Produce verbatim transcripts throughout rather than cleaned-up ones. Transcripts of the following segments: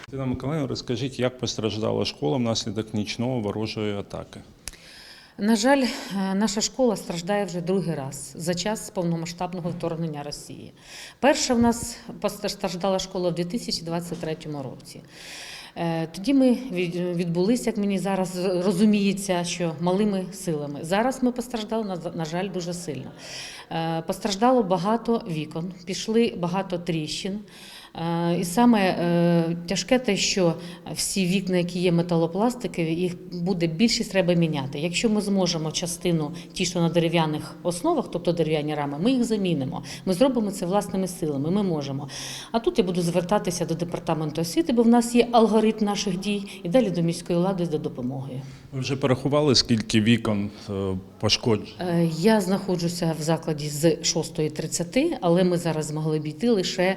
Тетяна Миколаївна, розкажіть, як постраждала школа внаслідок нічного ворожої атаки? На жаль, наша школа страждає вже другий раз за час повномасштабного вторгнення Росії. Перша в нас постраждала школа в дві тисячі двадцять третьому році. Тоді ми відбулися, як мені зараз розуміється, що малими силами. Зараз ми постраждали, на жаль, дуже сильно. Постраждало багато вікон, пішли багато тріщин. І саме тяжке те, що всі вікна, які є металопластикові, їх буде більшість треба міняти. Якщо ми зможемо частину, ті, що на дерев'яних основах, тобто дерев'яні рами, ми їх замінимо. Ми зробимо це власними силами, ми можемо. А тут я буду звертатися до департаменту освіти, бо в нас є алгоритм наших дій, і далі до міської влади за допомогою. Ви вже порахували, скільки вікон пошкоджено? Я знаходжуся в закладі з шостої тридцяти, але ми зараз змогли обійти лише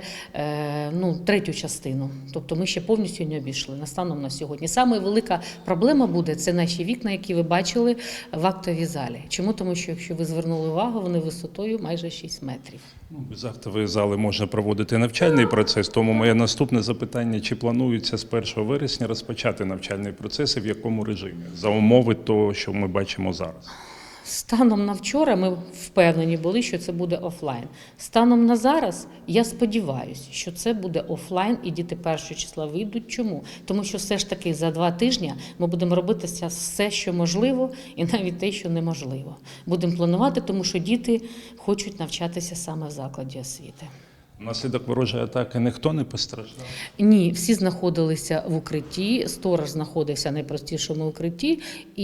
ну, третю частину. Тобто ми ще повністю не обійшли на станом на сьогодні. Саме велика проблема буде – це наші вікна, які ви бачили в актовій залі. Чому? Тому що, якщо ви звернули увагу, вони висотою майже шість метрів. Без актової зали можна проводити навчальний процес, тому моє наступне запитання, чи планується з першого вересня розпочати навчальний процес і в якому режимі, за умови того, що ми бачимо зараз? Станом на вчора ми впевнені були, що це буде офлайн. Станом на зараз я сподіваюся, що це буде офлайн і діти першого числа вийдуть. Чому? Тому що все ж таки за два тижні ми будемо робити все, що можливо, і навіть те, що неможливо. Будемо планувати, тому що діти хочуть навчатися саме в закладі освіти. Внаслідок ворожої атаки ніхто не постраждав? Ні, всі знаходилися в укритті, сторож знаходився в найпростішому укритті,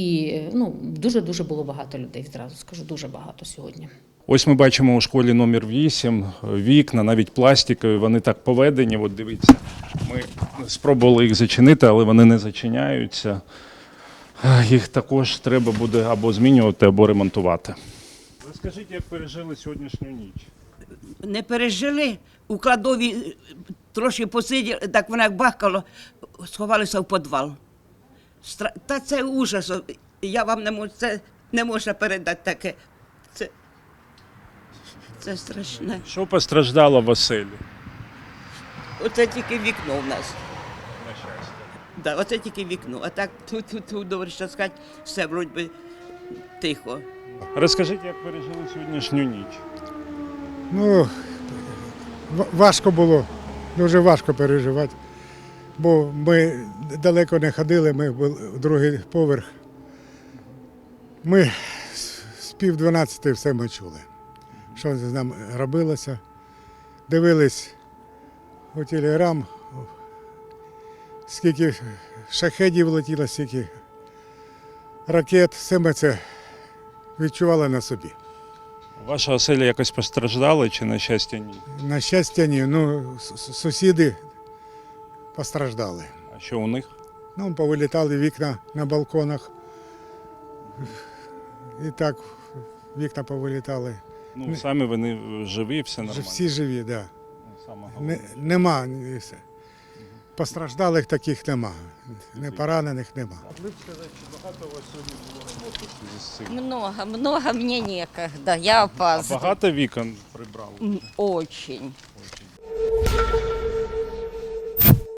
і ну, дуже-дуже було багато людей, зразу скажу, дуже багато сьогодні. Ось ми бачимо у школі номер вісім вікна, навіть пластикові, вони так поведені, от дивіться, ми спробували їх зачинити, але вони не зачиняються. Їх також треба буде або змінювати, або ремонтувати. Розкажіть, як пережили сьогоднішню ніч? Не пережили, у кладові трошки посиділи, так вона як бахкало, сховалися в підвал. Стра... Та це ужас, я вам не можу, це не можна передати таке. Це, це страшне. Що постраждало в оселі? Оце тільки вікно в нас. На щастя. Да, оце тільки вікно, а так тут, тут, тут добре, що сказати, все вроді би тихо. Розкажіть, як пережили сьогоднішню ніч? Ну, важко було, дуже важко переживати, бо ми далеко не ходили, ми були другий поверх. Ми з пів дванадцяти все ми чули, що з нами робилося. Дивились у телеграм, скільки шахедів летіло, скільки ракет, все ми це відчували на собі. Ваша оселя якось постраждала чи, на щастя, ні? На щастя, ні. Ну, сусіди постраждали. А що у них? Ну, повилітали вікна на балконах. І так вікна повилітали. Ну, самі вони живі, все нормально? Всі живі, так. Да. Саме Не, головне. нема. Постраждалих таких нема. Не поранених нема. Ви б сказати, чи багато у вас сьогодні було роботи в зв'язку з цим? Много, много, мне некогда, я А опаздываю. багато вікон прибрали? М, Очень.